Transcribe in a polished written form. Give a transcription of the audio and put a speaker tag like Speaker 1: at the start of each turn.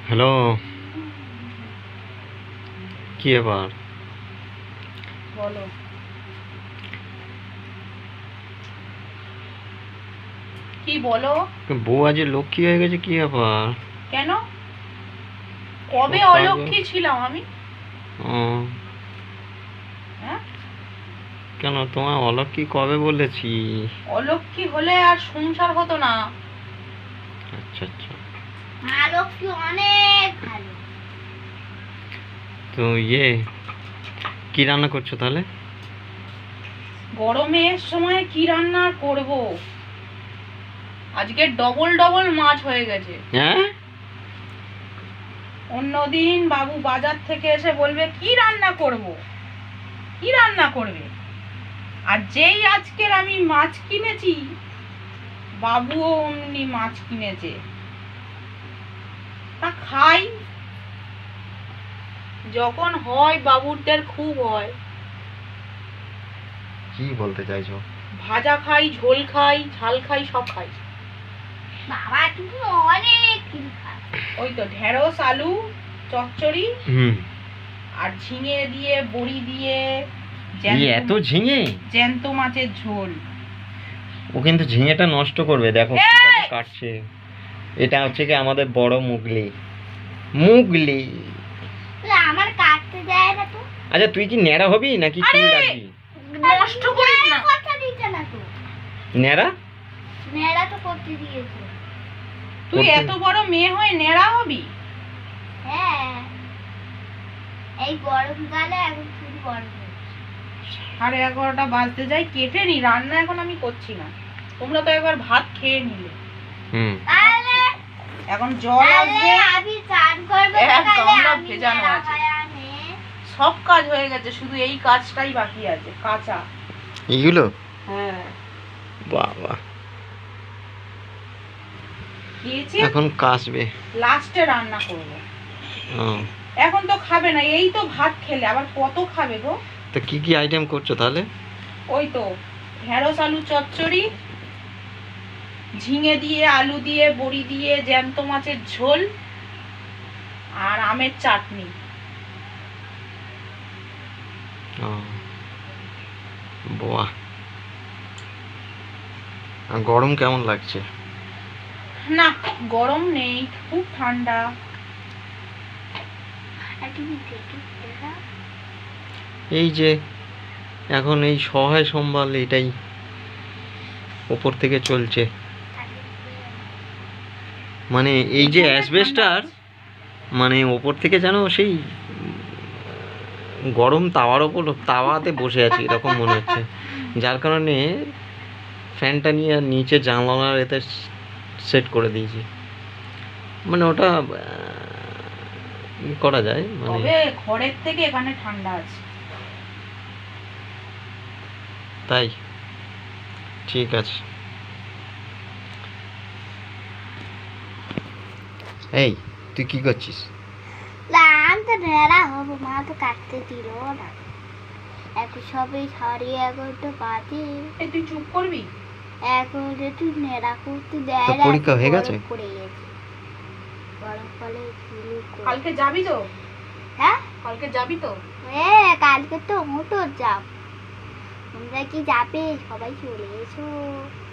Speaker 1: Hello, কি ব্যাপার?
Speaker 2: বলো। কি বলো?
Speaker 1: বউ আজ লক্ষ্মী হয়ে গেছে, কি ব্যাপার?
Speaker 2: কেন? কবে
Speaker 1: সব কাজে-
Speaker 2: অলক্ষ্মী ছিলাম আমি?
Speaker 1: ও,
Speaker 2: হ্যাঁ?
Speaker 1: কেন তোমার অলক্ষ্মী কবে বলেছি?
Speaker 2: অলক্ষ্মী হলে আর সংসার হতো না।
Speaker 1: আচ্ছা আচ্ছা,
Speaker 2: মা লক্ষ্মী অনেক ভালো।
Speaker 1: তো কি রান্না করছো তাহলে?
Speaker 2: গরমের সময় কি রান্না করব? আজকে ডবল ডবল মাছ হয়ে গেছে।
Speaker 1: হ্যাঁ,
Speaker 2: অন্যদিন বাবু বাজার থেকে এসে বলবে কি রান্না করব, কি রান্না করবে, আর যেই আজকের আমি মাছ কিনেছি বাবুও অমনি মাছ কিনেছে, তা খাই। যখন হয় বাবুরদের খুব হয়।
Speaker 1: কি বলতে চাইছো?
Speaker 2: ভাজা খাই, ঝোল খাই, ঝাল খাই, সব খাই। বাবা তুমি অনেক ওই তো ঢেঁড়স আলু চচ্চড়ি আর ঝিঙে দিয়ে বড়ি দিয়ে
Speaker 1: এত ঝিঙে?
Speaker 2: জ্যান্ত মাছের ঝোল।
Speaker 1: ও কিন্তু ঝিঙেটা নষ্ট করবে, দেখো কিভাবে কাটছে। এটা হচ্ছে কি আমাদের বড় মুগলি। মুগলি
Speaker 2: আমার কাটতে দেয় না তো।
Speaker 1: আচ্ছা, তুই কি ন্যাড়া হবি নাকি চুল রাখবি?
Speaker 2: নষ্ট করিস না। কথা দিতে না তো।
Speaker 1: ন্যাড়া
Speaker 2: নেড়া তো করতে দিয়েছে। তুই এত বড় মেয়ে হয়ে নেড়া হবি? হ্যাঁ, এই গরমকালে এখন খুব গরম। 11:30 বাজতে যাই, কেটে নি। রান্না এখন আমি করছি না, তোমরা তো একবার ভাত খেয়ে নিলে। এখন জল আসবে, আমি চান করব, গামলা ভেজানো আছে। সব কাজ হয়ে গেছে, শুধু এই কাজটাই বাকি আছে, কাঁচা
Speaker 1: এইগুলো।
Speaker 2: হ্যাঁ
Speaker 1: বাবা,
Speaker 2: এখন
Speaker 1: কাশবে,
Speaker 2: লাস্টে রান্না করব।
Speaker 1: ও,
Speaker 2: এখন তো খাবে না, এই তো ভাত খেলে, আবার কত খাবে গো?
Speaker 1: তো কি কি আইটেম করছো তাহলে?
Speaker 2: ওই তো ঢেঁড়স আলু চচ্চড়ি, ঝিঙে দিয়ে আলু দিয়ে বড়ি দিয়ে জ্যান্ত মাছের ঝোল আর আমের চাটনি।
Speaker 1: ও বাহ, আর গরম কেমন লাগছে?
Speaker 2: না, গরম নেই, খুব ঠান্ডা।
Speaker 1: এই যে এখন এই সহায় সম্বল এটাই ওপর থেকে চলছে, মানে এই যে অ্যাসবেস্টার, মানে ওপর থেকে যেন সেই গরম তাওয়ার ওপর তাওয়াতে বসে আছি এরকম মনে হচ্ছে। যার কারণে ফ্যানটা নিয়ে নিচে জানলার এতে সেট করে দিয়েছি, মানে ওটা করা যায়, মানে
Speaker 2: ঘরের থেকে এখানে ঠান্ডা আছে।
Speaker 1: তাই ঠিক আছে। এই তুই কি করছিস?
Speaker 2: আমি তো নেড়া হবো, মা তো কাটতে দিল না। এখন সবই 11:30 বাজে। তুই চুপ করবি? এখন তুই নেড়া করতে দেয় না।
Speaker 1: পরীক্ষা হয়ে গেছে?
Speaker 2: গরমকালে কালকে যাবি তো? হ্যাঁ, কালকে যাবি তো? হ্যাঁ, কালকে তো মোটর যাব। তোমরা কি যাবে? সবাই চলে এসো।